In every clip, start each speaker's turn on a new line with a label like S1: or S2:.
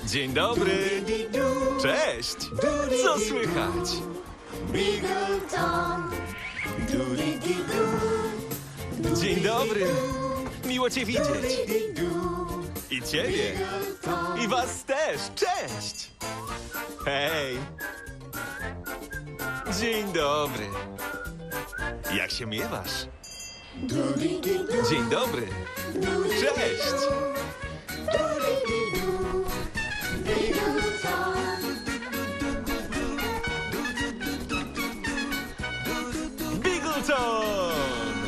S1: Dzień dobry. Cześć. Co słychać?
S2: Bigleton,
S1: Dzień dobry. Miło cię widzieć. I ciebie. I was też. Cześć. Hej. Dzień dobry. Jak się miewasz? Dzień dobry. Cześć. Bigleton!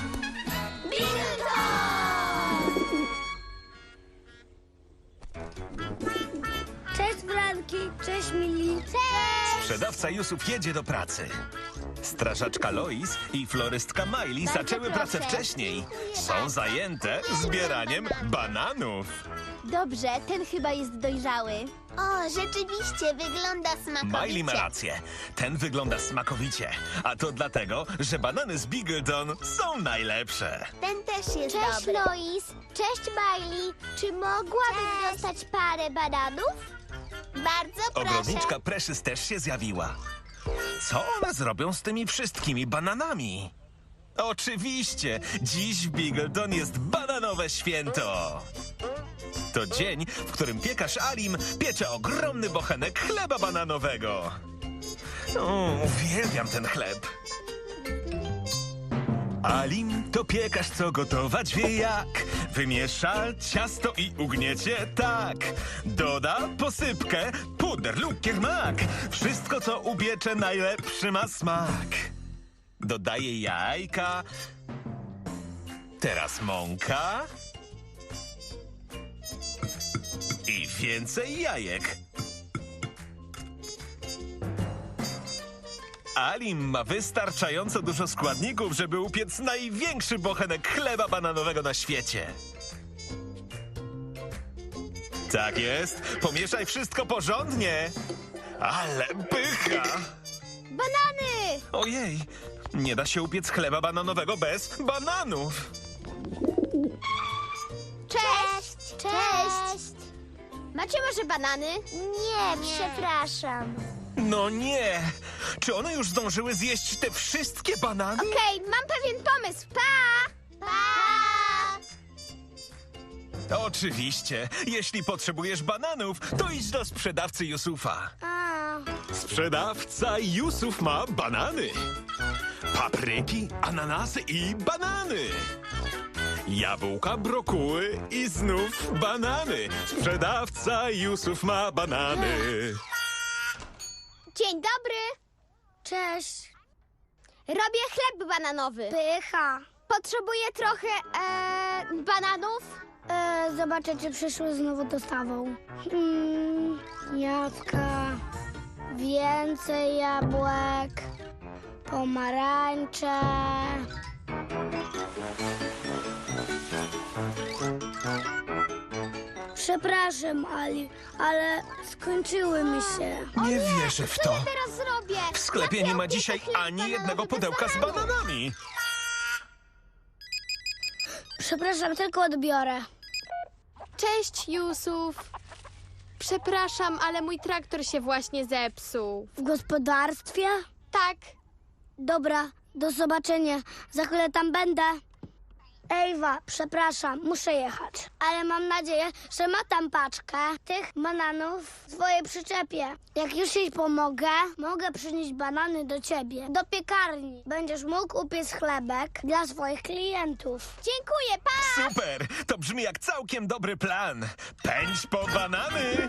S2: Cześć, Blanki. Cześć, Mili. Cześć.
S1: Sprzedawca Jusuf jedzie do pracy. Strażaczka Lois i florystka Miley zaczęły pracę
S2: proszę.
S1: wcześniej. Są zajęte zbieraniem bananów.
S2: Dobrze, ten chyba jest dojrzały.
S3: O, rzeczywiście, wygląda smakowicie.
S1: Miley ma rację. Ten wygląda smakowicie. A to dlatego, że banany z Bigleton są najlepsze.
S3: Ten też jest
S2: Cześć,
S3: dobry.
S2: Lois. Cześć, Miley. Czy mogłabym
S3: Cześć.
S2: dostać parę bananów?
S3: Bardzo proszę.
S1: Ogrodniczka Precious też się zjawiła. Co one zrobią z tymi wszystkimi bananami? Oczywiście, dziś w Bigleton jest bananowe święto. To dzień, w którym piekarz Alim piecze ogromny bochenek chleba bananowego. Uwielbiam ten chleb. Alim to piekarz, co gotować wie jak. Wymiesza ciasto i ugniecie tak. Doda posypkę, puder, lukier, mak. Wszystko, co upiecze, najlepszy ma smak. Dodaje jajka. Teraz mąka. I więcej jajek. Alim ma wystarczająco dużo składników, żeby upiec największy bochenek chleba bananowego na świecie. Tak jest. Pomieszaj wszystko porządnie. Ale pycha!
S2: Banany!
S1: Ojej, nie da się upiec chleba bananowego bez bananów.
S2: Cześć! Cześć! Macie może banany?
S3: Nie, przepraszam.
S1: No nie! Czy one już zdążyły zjeść te wszystkie banany?
S2: Okej, mam pewien pomysł. Pa!
S3: Pa!
S1: Oczywiście. Jeśli potrzebujesz bananów, to idź do sprzedawcy Jusufa.
S2: A,
S1: Sprzedawca Jusuf ma banany. Papryki, ananasy i banany. Jabłka, brokuły i znów banany. Sprzedawca Jusuf ma banany.
S2: dzień dobry!
S3: Cześć.
S2: Robię chleb bananowy.
S3: Pycha.
S2: Potrzebuję trochę bananów.
S3: Zobaczę, czy przyszły znowu dostawą. Jabłka. Więcej jabłek. Pomarańcze. Przepraszam, Ali, ale skończyły mi się.
S1: Nie wierzę w to.
S2: Co ja teraz zrobię?
S1: W sklepie nie ma dzisiaj ani jednego pudełka z bananami.
S3: Przepraszam, tylko odbiorę.
S4: Cześć, Jusuf. Przepraszam, ale mój traktor się właśnie zepsuł.
S3: W gospodarstwie?
S4: Tak,
S3: Dobra, do zobaczenia. Za chwilę tam będę. Ewa, przepraszam, muszę jechać. Ale mam nadzieję, że ma tam paczkę tych bananów w swojej przyczepie. Jak już jej pomogę, mogę przynieść banany do ciebie, do piekarni. Będziesz mógł upiec chlebek dla swoich klientów.
S2: Dziękuję, pa!
S1: Super! To brzmi jak całkiem dobry plan. Pędź po banany!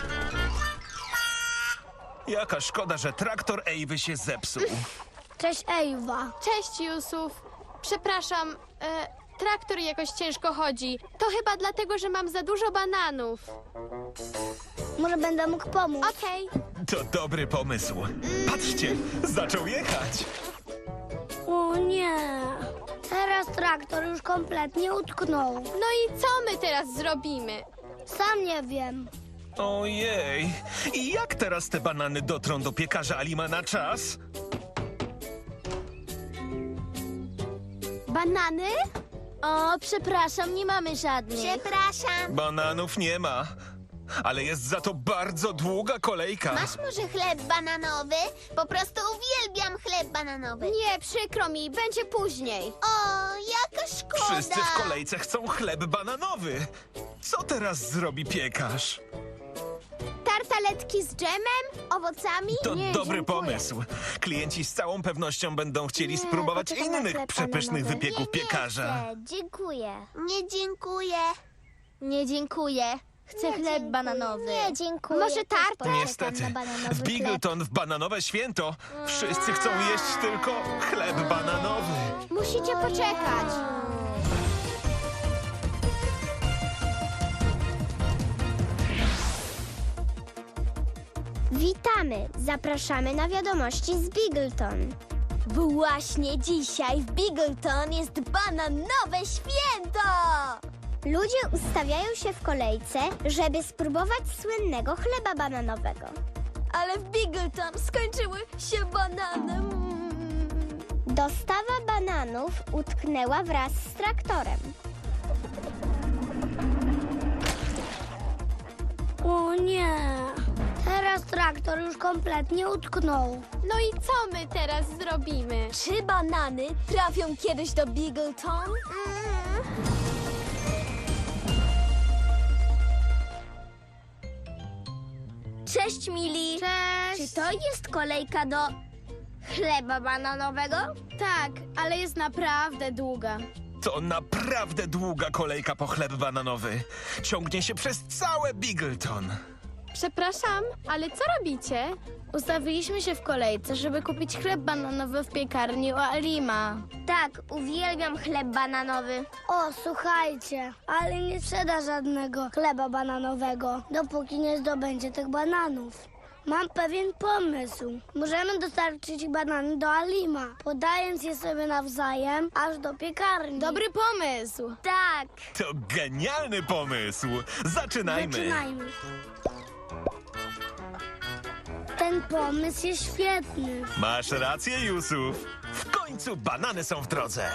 S1: Jaka szkoda, że traktor Ewy się zepsuł.
S3: Cześć, Ewa.
S4: cześć, Jusuf. Przepraszam, traktor jakoś ciężko chodzi. To chyba dlatego, że mam za dużo bananów.
S3: Może będę mógł pomóc.
S4: Okej.
S1: To dobry pomysł. Patrzcie, zaczął jechać.
S3: O nie. Teraz traktor już kompletnie utknął.
S4: No i co my teraz zrobimy?
S3: Sam nie wiem.
S1: Ojej, i jak teraz te banany dotrą do piekarza Alima na czas?
S2: Banany?
S3: O, przepraszam, nie mamy żadnych.
S2: Przepraszam.
S1: Bananów nie ma. ale jest za to bardzo długa kolejka.
S5: Masz może chleb bananowy? Po prostu uwielbiam chleb bananowy.
S4: Nie, przykro mi, będzie później.
S5: O, jaka szkoda.
S1: Wszyscy w kolejce chcą chleb bananowy. Co teraz zrobi piekarz?
S5: Tartaletki z dżemem, owocami?
S1: To
S4: Nie,
S1: dobry
S4: dziękuję.
S1: pomysł. Klienci z całą pewnością będą chcieli spróbować
S3: poczekam na
S1: innych
S3: chleb
S1: przepysznych
S3: bananowy.
S1: wypieków piekarza.
S3: Dziękuję.
S5: Nie dziękuję.
S2: Nie dziękuję. Chcę chleb bananowy.
S3: Nie, dziękuję.
S5: Może tartę?
S1: Niestety, w Bigleton w bananowe święto wszyscy chcą jeść tylko chleb bananowy.
S5: Musicie poczekać.
S3: Witamy! Zapraszamy na wiadomości z Bigleton.
S2: Właśnie dzisiaj w Bigleton jest bananowe święto!
S3: Ludzie ustawiają się w kolejce, żeby spróbować słynnego chleba bananowego.
S2: Ale w Bigleton skończyły się banany.
S3: Dostawa bananów utknęła wraz z traktorem. O nie! Teraz traktor już kompletnie utknął.
S4: No i co my teraz zrobimy?
S2: Czy banany trafią kiedyś do Bigleton? Cześć, Mili.
S3: Cześć! Czy to jest kolejka do chleba bananowego?
S4: Tak, ale jest naprawdę długa.
S1: To naprawdę długa kolejka po chleb bananowy. Ciągnie się przez całe Bigleton.
S4: Przepraszam, ale co robicie? Ustawiliśmy się w kolejce, żeby kupić chleb bananowy w piekarni u Alima.
S3: Tak, uwielbiam chleb bananowy. O, słuchajcie, ale nie sprzeda żadnego chleba bananowego, dopóki nie zdobędzie tych bananów. Mam pewien pomysł. Możemy dostarczyć banany do Alima, podając je sobie nawzajem aż do piekarni.
S4: Dobry pomysł.
S3: Tak,
S1: To genialny pomysł. Zaczynajmy.
S3: zaczynajmy. Ten pomysł jest świetny.
S1: Masz rację, Yusuf. W końcu banany są w drodze.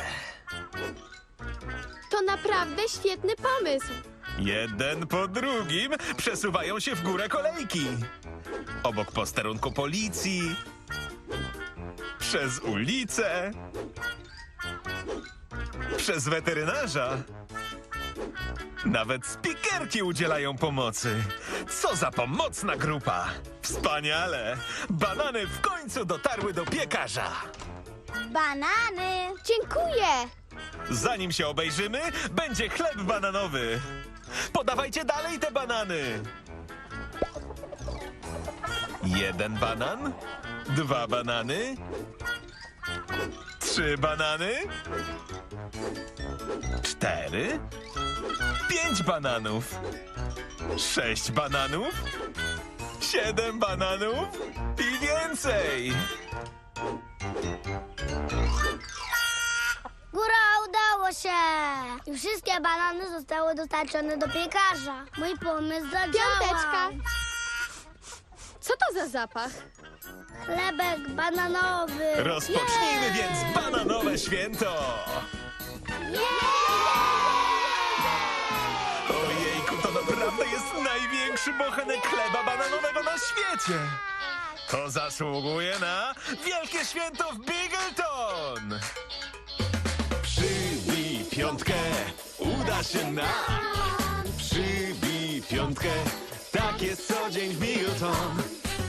S4: To naprawdę świetny pomysł.
S1: Jeden po drugim przesuwają się w górę kolejki. Obok posterunku policji, przez ulicę, przez weterynarza. Nawet spikerki udzielają pomocy. Co za pomocna grupa! Wspaniale! Banany w końcu dotarły do piekarza.
S3: Banany!
S4: Dziękuję.
S1: Zanim się obejrzymy, będzie chleb bananowy. Podawajcie dalej te banany. 1 banan, 2 banany, 3 banany, 4, 5 bananów, 6 bananów, 7 bananów i więcej.
S3: Góra, udało się! I wszystkie banany zostały dostarczone do piekarza. Mój pomysł zadziałał.
S4: Piąteczka. Co to za zapach?
S3: Chlebek bananowy.
S1: Rozpocznijmy więc bananowe święto. Ojejku, to naprawdę jest największy bochenek chleba bananowego na świecie. To zasługuje na wielkie święto w Bigleton. Przybij piątkę, uda się nam. Przybij piątkę, tak jest co dzień w Bigleton.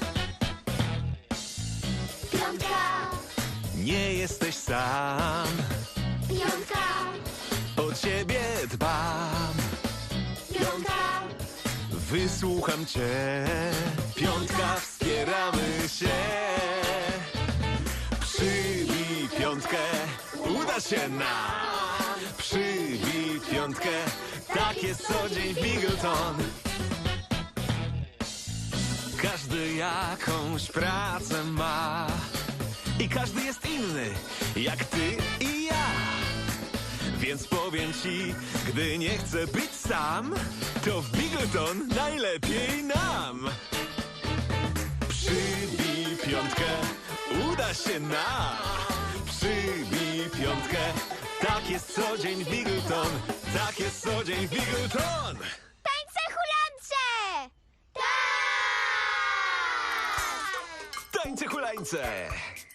S5: Piątka,
S1: Nie jesteś sam,
S5: piątka,
S1: o ciebie dbam.
S5: piątka,
S1: Wysłucham cię, piątka, wspieramy się. Przybij piątkę, uda się nam. Przybij piątkę, tak jest co dzień w Bigleton. Każdy jakąś pracę ma i każdy jest inny, jak ty i ja. Więc powiem ci, gdy nie chcę być sam, to w Bigleton najlepiej nam. Przybij piątkę, uda się nam. Przybij piątkę, tak jest co dzień w Bigleton. Tak jest co dzień w Bigleton.
S5: tańce hulance!
S1: Tańce hulańce!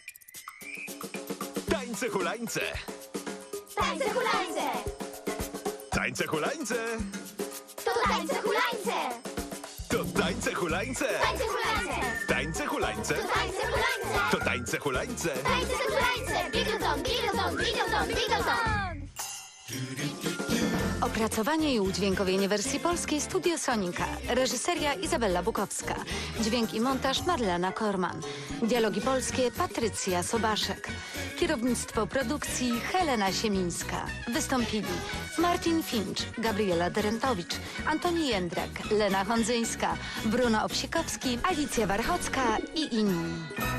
S1: Tańce hulańce!
S5: Tańce hulańce!
S1: Tańce hulańce!
S5: To tańce hulańce!
S1: To tańce hulańce!
S5: Tańce hulańce!
S1: Tańce hulańce!
S5: To tańce hulańce!
S1: To tańce hulańce!
S5: Tańce hulańce! Bigleton, Bigleton, Bigleton, Bigleton!
S6: Opracowanie i udźwiękowienie wersji polskiej Studio Sonika. Reżyseria Izabela Bukowska. Dźwięk i montaż Marlena Korman. Dialogi polskie Patrycja Sobaszek. Kierownictwo produkcji Helena Siemińska. Wystąpili Martin Finch, Gabriela Derentowicz, Antoni Jędrak, Lena Hondzyńska, Bruno Owsikowski, Alicja Warchocka i inni.